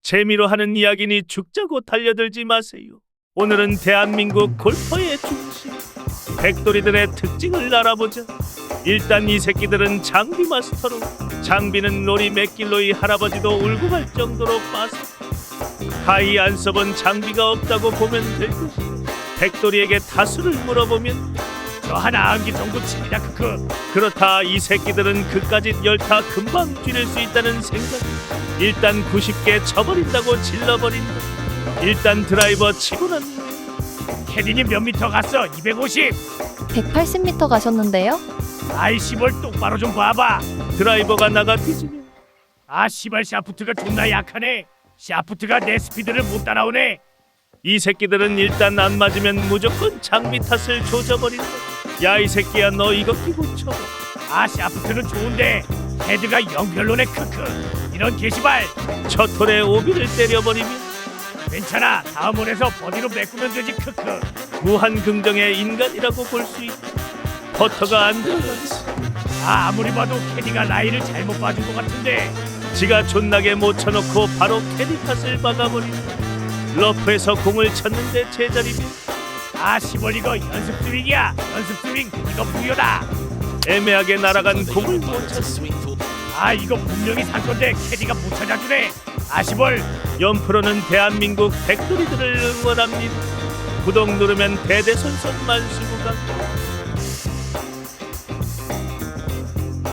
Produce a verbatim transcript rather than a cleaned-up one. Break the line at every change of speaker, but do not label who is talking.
재미로 하는 이야기니 죽자고 달려들지 마세요. 오늘은 대한민국 골퍼의 중심 백돌이들의 특징을 알아보자. 일단 이 새끼들은 장비 마스터로, 장비는 로리 맥길로이 할아버지도 울고 갈 정도로 빠서 가히 안 써본 장비가 없다고 보면 될 것이다. 백돌이에게 타수를 물어보면 저 하나 암기 정도 칩니다 크크. 그렇다 이 새끼들은 그까짓 열타 금방 줄일 수 있다는 생각. 일단 구십 개 쳐버린다고 질러버린다. 일단 드라이버 치고 난 캐디님 몇 미터 갔어? 이백오십.
백팔십 미터 가셨는데요?
아이 씨발 똑바로 좀 봐봐. 드라이버가 나가 뒤지면 아 씨발 샤프트가 존나 약하네. 샤프트가 내 스피드를 못 따라오네. 이 새끼들은 일단 안 맞으면 무조건 장비 탓을 조져버린다. 야 이 새끼야 너 이거 끼고 쳐봐. 아 샤프트는 좋은데 헤드가 영 별로네 크크. 이런 게시발. 첫 홀에 오비를 때려버리면 괜찮아 다음 홀에서 버디로 메꾸면 되지 크크. 무한 긍정의 인간이라고 볼 수 있다. 퍼터가 안 들어갔어. 아 아무리 봐도 캐디가 라인을 잘못 봐준 것 같은데. 지가 존나게 못 쳐놓고 바로 캐디 탓을 막아버린다. 러프에서 공을 쳤는데 제자리면 아 시벌 이거 연습 스윙이야. 연습 스윙 이거 부여다. 애매하게 날아간 공을 못 쳤어. 아 이거 분명히 산 건데 캐디가 못 찾아주네. 아시벌. 연프로는 대한민국 백돌이들을 응원합니다. 구독 누르면 대대손손 만수무강.